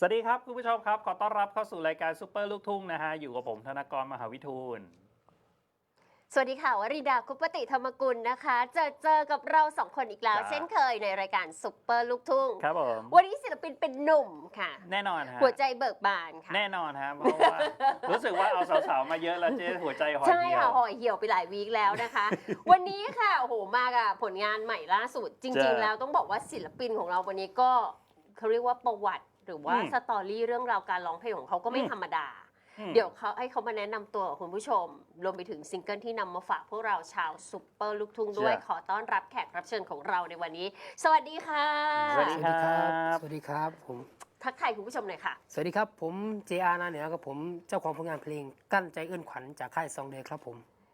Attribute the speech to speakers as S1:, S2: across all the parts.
S1: วัสดีครับคุณผู้ชมครับขอต้อนรับเข้าสู่รายการซุปเปอร์ลูกทุ่งนะฮะอยู่กับผมธนกรมหาวิทูล
S2: สวัสดีค่ะวริดาคุปติธรรมกุลนะคะเจอกับเราสองคนอีกแล้ว เช่นเคยในรายการซุปเปอร์ลูกทุ่ง
S1: ครับผม
S2: วันนี้ศิลปินเป็นหนุ่มค่ะ
S1: แน่นอนฮะ
S2: หัวใจเบิกบานค่ะ
S1: แน่นอนฮะเพราะว่ารู้สึกว่าเอาสาวๆมาเยอะแล้วเจ๊หัวใจห่อ
S2: ใช่
S1: เหี่ย
S2: ค่ะ
S1: ว
S2: ห่อเหี่ยวไปหลายวีคแล้วนะคะ วันนี้ค่ะโอ้โหมากับผลงานใหม่ล่าสุด จริงๆแล้วต้องบอกว่าศิลปินของเราวันนี้ก็เขาเรียกว่าประวัติ หรือว่าสตอรี่เรื่องราวการร้องเพลงของเขาก็ไม่ธรรมดาเดี๋ยวเขาให้เขามาแนะนำตัวกับคุณผู้ชมรวมไปถึงซิงเกิลที่นำมาฝากพวกเราชาวซุปเปอร์ลูกทุ่งด้วยขอต้อนรับแขกรับเชิญของเราในวันนี้สวัสดีค่ะ
S1: สวัสดีครับ
S3: สวัสดีครับผม
S2: ทักทายคุณผู้ชมหน่อยค่ะ
S3: สวัสดีครับผม JR นาเหนือครับผมเจ้าของผลงานเพลงกั้นใจเอื้อนขวัญจากค่ายซองเดย์ครับผม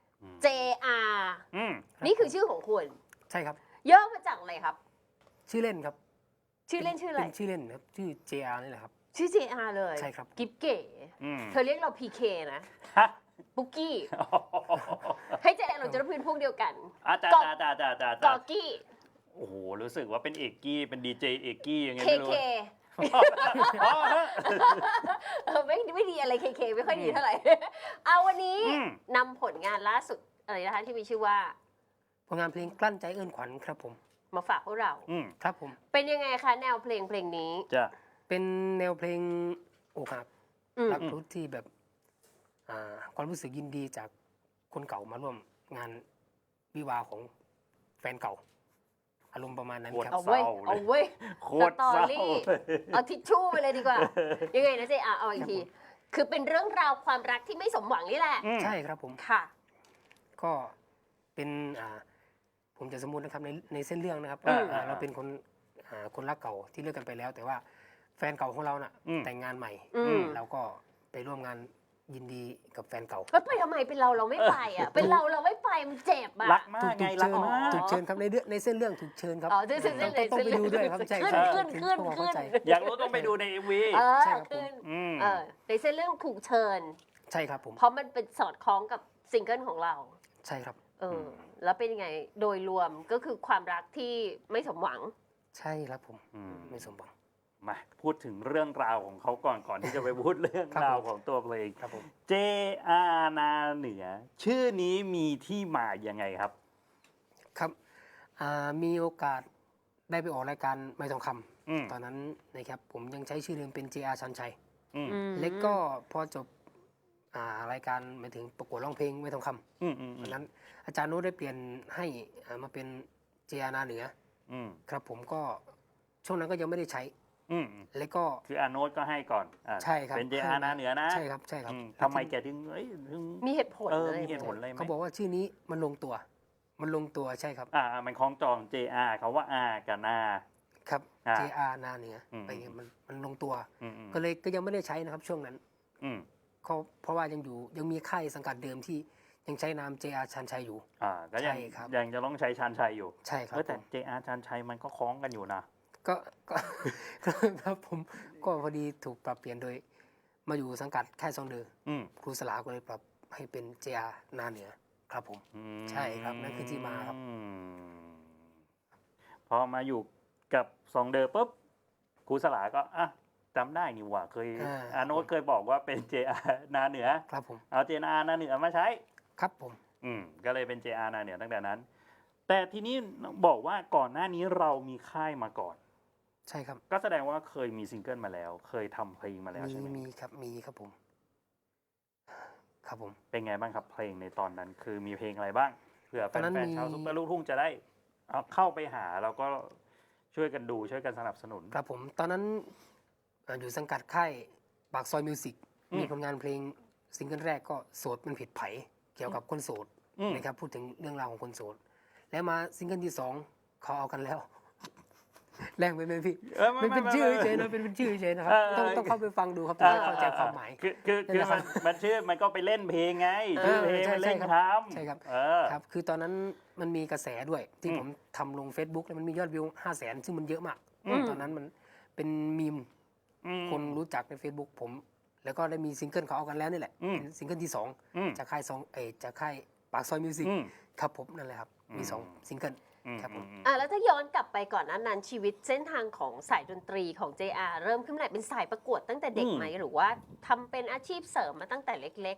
S2: JR
S1: อืม
S2: นี่คือชื่อของคุณ
S3: ใช่ครับ
S2: ย่อมาจากอะไรครับ
S3: ชื่อเล่นครับ
S2: ชื่อเล่นชื่ออะไร
S3: เป็นชื่อเล่นครับชื่อ JR นี่แหละครับ
S2: ชื่อ JR เลย
S3: ใช่ครับ
S2: กิ๊บเก๋
S1: อืม
S2: เธอเรียกเรา PK นะ
S1: ฮะ
S2: ปุกกี้ ให้เจเราจะได้เป็นพวกเดียวกัน
S1: อาจาร
S2: กอ
S1: ย์อาจารย์
S2: กอกี้
S1: โอ้โหรู้สึกว่าเป็นเอกกี้เป็นดีเจเอกกี้ยังไง
S2: เค
S1: ไม่รู้
S2: เค
S1: อ๋อฮะ
S2: ไม่ดีอะไรเคเคไม่ค่อยดีเท่าไหร่ เอาวันนี้
S1: อืม
S2: นำผลงานล่าสุดอะไรนะคะที่มีชื่อว่า
S3: ผลงานเพลงกลั้นใจเอื้อนขวัญครับผม
S2: มาฝากพวกเรา
S1: อืม
S3: ครับผม
S2: เป็นยังไงคะแนวเพลงนี้
S1: จะ
S3: เป็นแนวเพลงอกหัก
S2: อืม
S3: รักรุดที่แบบความรู้สึกยินดีจากคนเก่ามาร่วมงานวิวาห์ของแฟนเก่า อารมณ์ประมาณนั้นครับ
S2: เอาเว้ยเอาเว้ย
S1: โค
S2: ส
S1: ตร
S2: ตอ
S1: เศร้า
S2: รี่เอาทิชชู่ไปเลยดีกว่า ยังไงนะเจ๊เอาอีกที คือเป็นเรื่องราวความรักที่ไม่สมหวังนี่แหละ
S1: อืม
S3: ใช่ครับผม
S2: ค่ะ
S3: ก็เป็นผมจะสมมุตินะครับในเส้นเรื่องนะครับ
S1: อืม
S3: เราเป็นคนรักเก่าที่เลิกกันไปแล้ว แต่ว่าแฟนเก่าของเราน่ะ
S1: อืม
S3: แต่งงานใหม่
S2: อืม
S3: เราก็ไปร่วมงานยินดีกับแฟนเก่า
S2: แล้วไปทำไมเป็นเราไม่ไปอ่ะ เป็นเราไม่ไปมันเจ็บอ่ะ
S1: รักมากไงรัก
S3: เชิญ
S1: มาก
S3: ถูกเชิญครับในเส้นเรื่องถูกเชิญครับ
S2: อ๋อเส้นเรื่อง
S3: ต้องไปดูด้วยครับใช่
S2: ขึ้น
S3: ครับ
S2: ขึ้น
S3: ถึง
S2: ขึ้น
S3: พวกเรา
S2: ขึ้
S3: เข้าน ใจ
S1: อยากรู้ต้องไปดูใน MV
S2: เออ
S3: ใช่ครับผม
S2: ขึ้น
S1: อืม
S2: ในเส้นเรื่องถูกเชิญ
S3: ใช่ครับผม
S2: เพราะมันเป็นสอดคล้องกับซิงเกิลของเรา
S3: ใช่ครับ
S2: แล้วเป็นยังไงโดยรวมก็คือความรักที่ไม่สมหวัง
S3: ใช่ครับผม
S1: อืม
S3: ไม่สมหวัง
S1: มาพูดถึงเรื่องราวของเขาก่อนที่จะไปพูดเรื่อง
S3: ครับ
S1: ราว
S3: ผม
S1: ของตัวเพลง
S3: ครับผม
S1: JR นาเหนือ ชื่อนี้มีที่มายังไงครับ
S3: ครับมีโอกาสได้ไปออกรายการไม่ทองค
S1: อืม
S3: ำตอนนั้นนะครับผมยังใช้ชื่อเดิมเป็น JR ชันชัย
S1: อืม
S3: เล็กก็พอจบรายการหมายถึงประกวดร้องเพลงไม่ทองคำ
S1: อืมอืม
S3: วันนั้นอาจารย์โน้ตได้เปลี่ยนให้มาเป็น JR นาเหนือ
S1: อืม
S3: ครับผมก็ช่วงนั้นก็ยังไม่ได้ใช้
S1: อืม
S3: แล้วก็
S1: คืออาโนตก็ให้ก่อนอ่ะ
S3: ใช่ครับ
S1: เป็น JR นาเหนือนะ
S3: ใช่ครับใช่ครับ
S1: อืมทำไมแกถึงถึง
S2: มีเหตุผล
S1: มี
S2: เลย
S1: เหตุผลอะไรไหม
S3: เขาบอกว่าชื่อนี้มันลงตัว มันลงตัวใช่ครับ
S1: มันคล้องจอง JR เขาว่า R กับนา
S3: ครับ JR นาเหนือ
S1: อืม
S3: ไปมันลงตัว
S1: อืมอืม
S3: ก็เลยก็ยังไม่ได้ใช้นะครับช่วงนั้น
S1: อืม
S3: เพราะว่ายังมีค่ายสังกัดเดิมที่ยังใช้นาม JR ชันชัยอยู่
S1: ก็ยัง
S3: ใช่ครับ
S1: ยังจะต้องใช้ชานชัยอยู่
S3: ใช่ครับ
S1: แต่ JR ชานชัยมันก็คล้องกันอยู่นะ
S3: ก็ ครับผมก็พอดีถูกปรับเปลี่ยนโดย มาอยู่สังกัดค่ายซองเดอ
S1: อืม
S3: ครูสลาก็เลยปรับให้เป็น JR นาเหนือครับผม
S1: อืม
S3: ใช่ครับนั่นคือที่มาครับ
S1: อืมพอมาอยู่กับซองเดอปุ๊บครูสลาก็จำได้นี่หว่าเคยอาโนตเคยบอกว่าเป็น JR นาเหนือ
S3: ครับผม
S1: เอา JR นาเหนือมาใช้
S3: ครับผม
S1: ก็เลยเป็น JR นาเหนือตั้งแต่นั้น แต่ทีนี้บอกว่าก่อนหน้านี้เรามีค่ายมาก่อน
S3: ใช่ครับ
S1: ก็แสดงว่าเคยมีซิงเกิลมาแล้ว เคยทำเพลงมาแล้วใช่ไหม
S3: มีครับผม ครับผม
S1: เป็นไงบ้างครับเพลงในตอนนั้น คือมีเพลงอะไรบ้างเผื่อแฟ
S3: ตอนนั้น
S1: น
S3: มี
S1: ๆชาวซุปเปอร์ลูกทุ่งจะได้เอาเข้าไปหาแล้วก็ช่วยกันดูช่วยกันสนับสนุน
S3: ครับผมตอนนั้นอยู่สังกัดค่ายปากซอยมิวสิก มีผลงานเพลงซิงเกิลแรกก็โสดมันผิดไผเกี่ยวกับคนโสด นะครับพูดถึงเรื่องราวของคนโสด แล้วมาซิงเกิลที่ 2เขาเอากันแล้ว แรงไปไหมพี่ มันเป็นชื่อเฉยๆนะเป็นชื่อเฉยๆนะครับต้องเข้าไปฟังดูครับถึงจะเข้าใจความหมาย
S1: คือมันชื่อมันก็ไปเล่นเพลงไงชื่อเพลง
S3: ใช่
S1: มันเล่น
S3: ใช่
S1: ค
S3: ครับ
S1: ำ
S3: ใช่ครับ ครับ คือตอนนั้นมันมีกระแสด้วยที่ผมทำลง Facebook แล้วมันมียอดวิว 500,000 ซึ่งมันเยอะมาก ตอนนั้นมันเป็นมีม คนรู้จักใน Facebook ผม แล้วก็ได้มีซิงเกิลเขาเอากันแล้วนี่แหละเป็นซิงเกิลที่ 2 จากค่ายจากค่ายปากซอยมิวสิกครับผมนั่นแหละครับมี2ซิงเกิลครับผม
S2: แล้วถ้าย้อนกลับไปก่อนนั้นชีวิตเส้นทางของสายดนตรีของ JR เริ่มขึ้นมาเป็นสายประกวดตั้งแต่เด็กไหมหรือว่าทำเป็นอาชีพเสริมมาตั้งแต่เล็ก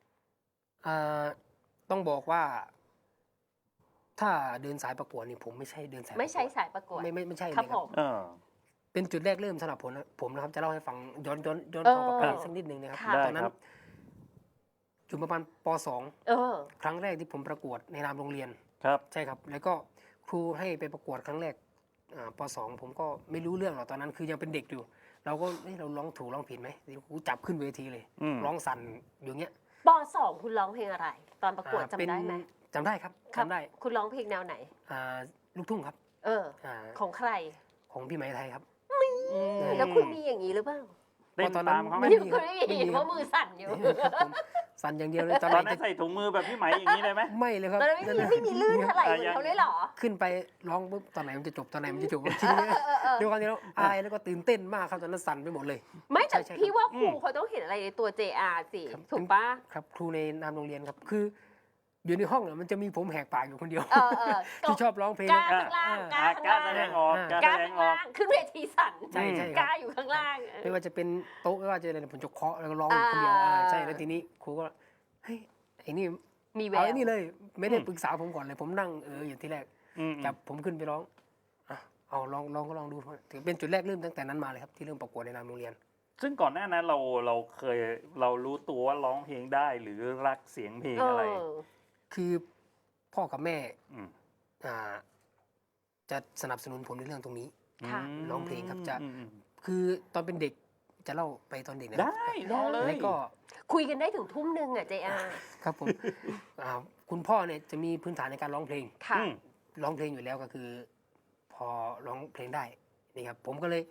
S3: ต้องบอกว่า ถ้าเดินสายประกวดนี่ผมไม่ใช่เดินสาย
S2: ๆ ไม่ใช่สายประกวด
S3: ไม่ใช่เลย
S2: ค
S3: ค
S2: รั
S3: รั
S2: บบ ผม
S3: เป็นจุดแรกเริ่มสำหรับผมนะครับจะเล่าให้ฟังย้อน
S2: เออ
S3: ความกลับไปสักนิดนึงนะครับ
S2: ค่ะ
S3: ตอนนั้นอยู่ประมาณป
S2: เออ
S3: .2 ครั้งแรกที่ผมประกวดในนามโรงเรียน
S1: ครับ
S3: ใช่ครับ แล้วก็ครูให้ไปประกวดครั้งแรกป .2 ผมก็ไม่รู้เรื่องหรอกตอนนั้นคือยังเป็นเด็กอยู่ เราก็เราร้องถูกร้องผิดไหมครูจับขึ้นเวทีเลย
S1: อืม
S3: ร้องสั่นอยู่เงี้ย
S2: ป .2 คุณร้องเพลงอะไร ตอนประกวดจำได้ไหม
S3: จำได้ครับ
S2: ครับ
S3: จำได้
S2: คุณร้องเพลงแนวไหน
S3: ลูกทุ่งครับ
S2: เออ
S3: อ่า
S2: ของใคร
S3: ของพี่ไหมไทยครับ
S2: แล้วคุณมีอย่างนี้หรือเปล่า
S1: เต้นตามเขาไหม
S3: ไม่
S2: ไม่
S3: มี
S2: คุณไม่มี
S3: ไม่มี
S2: เห็นว่ามือสั่นอยู่
S3: ครับผมสั่นอย่างเดียวเลยตอน
S1: ตอน
S3: ไหน
S1: นั้น
S3: จะ
S1: ใส่ถุงมือแบบพี่ไหมอย่างนี้เลยไหม
S3: ไม่เลยครับ
S2: ตอนนั้นไม่มีลื่นเท่าไหร่เหมือนเขาเลยเหรอ
S3: ขึ้นไปร้องปุ๊บตอนไหนมันจะจบตอนไหนมันจะจบทีนี้ด้วยความที่เราอายแล้วก็ตื่นเต้นมากครับตอนนั้นสั่นไปหมดเลย
S2: ไม่แต่
S3: ใช่
S2: พี่ว่าครูเขาต้องเห็นอะไรในตัว JR สิ
S3: ครับ
S2: ถูกปะ
S3: ครับครูในนามโรงเรียนครับคือ อยู่ในห้องเนี่ยมันจะมีผมแหกปากอยู่คนเดียว
S2: เออ
S3: ที่ชอบร้องเพลง
S2: กล้าข้างล่างกล้าข้าง
S1: กล้า
S2: ล่าง
S1: แสดงออกกล้าก
S2: ล้า
S1: แสด
S2: ข้าง ง
S1: ออก
S2: ล่างขึ้นเวทีสั่น
S3: ใช่ใช่
S2: ก
S3: ค
S2: ล้า
S3: รับ
S2: อยู่ข้างล่าง
S3: ไม่ว่าจะเป็นโต๊ะไม่ว่าจะอะไรผมจะเคาะแล้วก็ร้องอยู่คนเดียวใช่แล้วทีนี้ครูก็เฮ้ยไอ้นี่
S2: มีแว
S3: เอา
S2: ว
S3: ไอ้นี่เลย ไม่ได้ปรึกษาผมก่อนเลยผมนั่งอยู่ที่แรก
S1: อืม
S3: จับผมขึ้นไปร้องเอาลองดูถือเป็นจุดแรกเริ่มตั้งแต่นั้นมาเลยครับที่เริ่มประกวดในนามโรงเรียน
S1: ซึ่งก่อนหน้านั้นเรารู้ตัวว่าร้องเพลงได้หรือรักเสียงเพลงอะไร
S3: คือพ่อกับแม่
S1: อืม
S3: อ่าจะสนับสนุนผมในเรื่องตรงนี้
S2: ค่ะ
S3: ร้องเพลงครับจะ
S1: อืม
S3: คือตอนเป็นเด็กจะเล่าไปตอนเด็กนะ
S1: ได้ลองเลย
S3: แล้วก็
S2: คุยกันได้ถึงทุ่มหนึ่งอ่ะ JR
S3: ครับผม คุณพ่อเนี่ยจะมีพื้นฐานในการร้องเพลง
S2: ค่ะ
S1: อืม
S3: ร้องเพลงอยู่แล้วก็คือ พอร้องเพลงได้นี่ครับผมก็เลย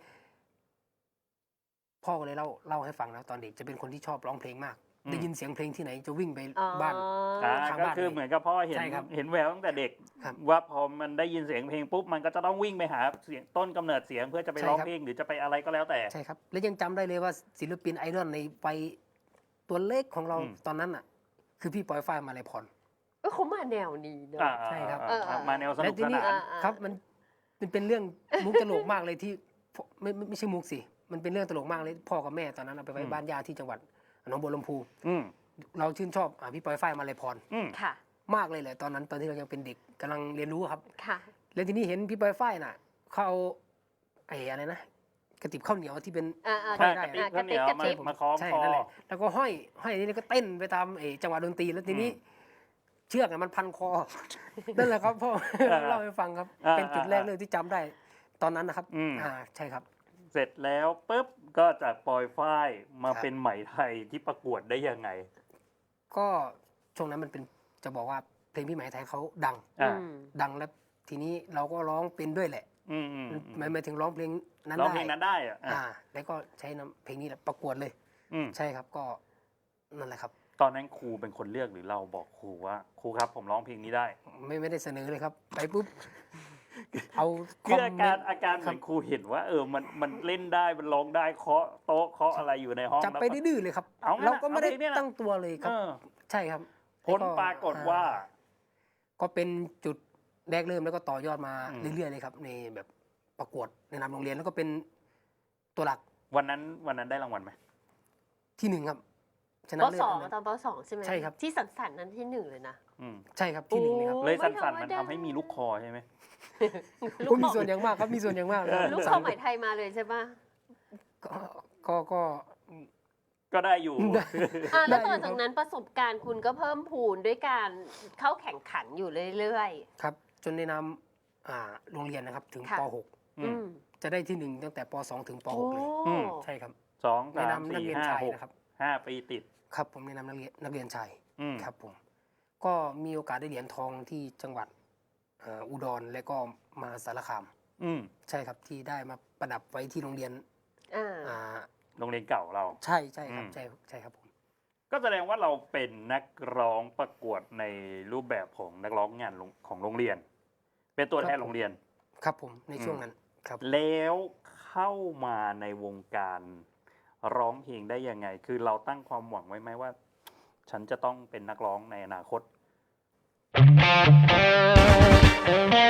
S3: พ่อก็เลยเล่าให้ฟังนะตอนเด็กจะเป็นคนที่ชอบร้องเพลงมาก ได้ยินเสียงเพลงที่ไหนจะวิ่งไปบ้าน ทาง
S1: ก็
S3: บ้าน
S1: คือเหมือนกับพ่อเห็น
S3: ใช่ครับ
S1: เห็นแววตั้งแต่เด็ก
S3: ครับ
S1: ว่าพอมันได้ยินเสียงเพลงปุ๊บมันก็จะต้องวิ่งไปหาเสียงต้นกำเนิดเสียงเพื่อจะไป
S3: ใช่
S1: ร้อง
S3: ครับ
S1: เพลงหรือจะไปอะไรก็แล้วแต่
S3: ใช่ครับ และยังจำได้เลยว่าศิลปินไอดอลในวัยตัวเล็กของเรา
S1: อืม
S3: ตอนนั้นอ่ะ คือพี่ปอยฝ้ายมาลัยพร
S2: เขามาแนวนี้เนอะ
S3: ใช่ครับ
S1: มาแนวสนุกสนาน
S3: ครับมันเป็นเรื่องมุกตลกมากเลยที่ไม่ใช่มุกสิมันเป็นเรื่องตลกมากเลยพ่อกับแม่ตอนนั้นเอาไปไว้บ้านญาติที่จังหวัดหนองบัวลำพู
S1: อืม
S3: เราชื่นชอบพี่ปอยฝ้ายมาลัยพร
S1: อืม
S2: ค่ะ
S3: มากเลยแหละตอนนั้นตอนที่เรายังเป็นเด็กกำลังเรียนรู้ครับ
S2: ค่ะ
S3: แล้วทีนี้เห็นพี่ปอยฝ้ายน่ะเขาเอาอะไรนะกระติบข้าวเหนียวที่เป็น
S1: ถ้า
S3: ได้
S1: กระติกข้าวเหนียวมาคล้อง
S3: ใช่
S1: คอ
S3: นั่นแหละแล้วก็ห้อยนี่ก็เต้นไปตามจังหวะดนตรีแล้วทีนี้ เชือกมันพันคอ นั่นแหละครับพ่อเล่าให้ฟังครับ เป็นจุดแรกเลยที่จำได้ ตอนนั้นนะครับใช่ครับ
S1: เสร็จแล้วปุ๊บก็จากปอยฝ้ายมา
S3: ครับ
S1: เป็นไหมไทยที่ประกวดได้ยังไง
S3: ก็ช่วงนั้นมันเป็นจะบอกว่าเพลงพี่ไหมไทยเขาดัง
S1: อ่า
S3: ดังแล้วทีนี้เราก็ร้องเป็นด้วยแหละ
S1: อืมอืม
S3: หมายถึงร้องเพลงนั้น
S1: ร้อง
S3: ได้
S1: เพลงนั้นได้อ่ะ
S3: แล้วก็ใช้นำเพลงนี้แหละประกวดเลย
S1: อืม
S3: ใช่ครับก็นั่นแหละครับ
S1: ตอนนั้นครูเป็นคนเลือกหรือเราบอกครูว่าครูครับผมร้องเพลงนี้ได้
S3: ไม่ได้เสนอเลยครับ ไปปุ๊บ เอาค
S1: คือ
S3: อม
S1: อา
S3: เม
S1: การ
S3: นต์
S1: อาการเหมือนครูเห็นว่ามันเล่นได้มันร้องได้เคาะโต๊ะเคาะอะไรอยู่ในห้อง
S3: จับไป
S1: แล้วก็
S3: ดื้อๆเลยครับ
S1: เอางั้น
S3: เราก็ไม่ได้
S1: เอาเพลงเนี่ยนะ
S3: ตั้งตัวเลยครับ ใช่ครับ
S1: ผลปรากฏว่า
S3: ก็เป็นจุดแรกเริ่มแล้วก็ต่อยอดมา
S1: อืม
S3: เรื่อยๆเลยครับ ในแบบประกวดในนามโรงเรียนแล้วก็เป็นตัวหลัก
S1: วันนั้นได้รางวัลไหม
S3: ที่หนึ่งครับช
S2: ป
S3: นะเลิศ
S2: สอง
S3: อันนั้น
S2: ตอนปสองใช่ไหม
S3: ใช่ครับ
S2: ที่สันสันนั้นที่หนึ่งเลยนะ
S1: อืม
S3: ใช่ครับที่หนึ่งเลยครับ
S2: โอ้
S1: เลย
S2: ไม่
S1: สั่น
S2: ธรรม
S1: ๆมัน
S2: ดา
S1: ทำให้มีลูกคอใช่ไหม
S3: ก็มีส่วนอย่างมากครับมีส่วนอย่างมากเลย
S2: ลูกคอไหมไทยมาเลยใช่ปะ
S3: ก็
S1: ก็ได้อยู่
S2: แล้ว
S3: ได้
S2: ต่อ
S3: อยู่ครั
S2: จาก
S3: บ
S2: นั้นประสบการณ์คุณก็เพิ่มพูนด้วยการเข้าแข่งขันอยู่เรื่อย
S3: ครับ จนในนามโรงเรียนนะครับถึง
S2: ค่ะ
S3: ป
S2: ๆ อืม
S3: .6 จะได้ที่หนึ่งตั้งแต่ป .2 ถึงป
S2: โอ้
S3: .6 เลย
S1: อืม
S3: ใช่ครับ
S1: สอง
S3: ใน
S1: สาม
S3: นามนัก
S1: สี่
S3: เรียน
S1: ห้า
S3: ชาย
S1: หก
S3: นะครับ
S1: 5 ปีติด
S3: ครับผมในนามนักเรียนชาย
S1: อืม
S3: ครับผมก็มีโอกาสได้เหรียญทองที่จังหวัดอุดรและก็มาสารคาม
S1: อืม
S3: ใช่ครับที่ได้มาประดับไว้ที่โรงเรียน
S2: อ่า
S3: อ่า
S1: โรงเรียนเก่าเรา
S3: ใช่ครับ
S1: อืม
S3: ใช่ครับผม
S1: ก็แสดงว่าเราเป็นนักร้องประกวดในรูปแบบของนักร้องงานของโรงเรียน เป็นตัวแทนโรงเรียน
S3: ครับผมในช่วงนั้นครับ
S1: แล้วเข้ามาในวงการร้องเพลงได้ยังไง คือเราตั้งความหวังไว้ไหมว่า ฉันจะต้องเป็นนักร้องในอนาคต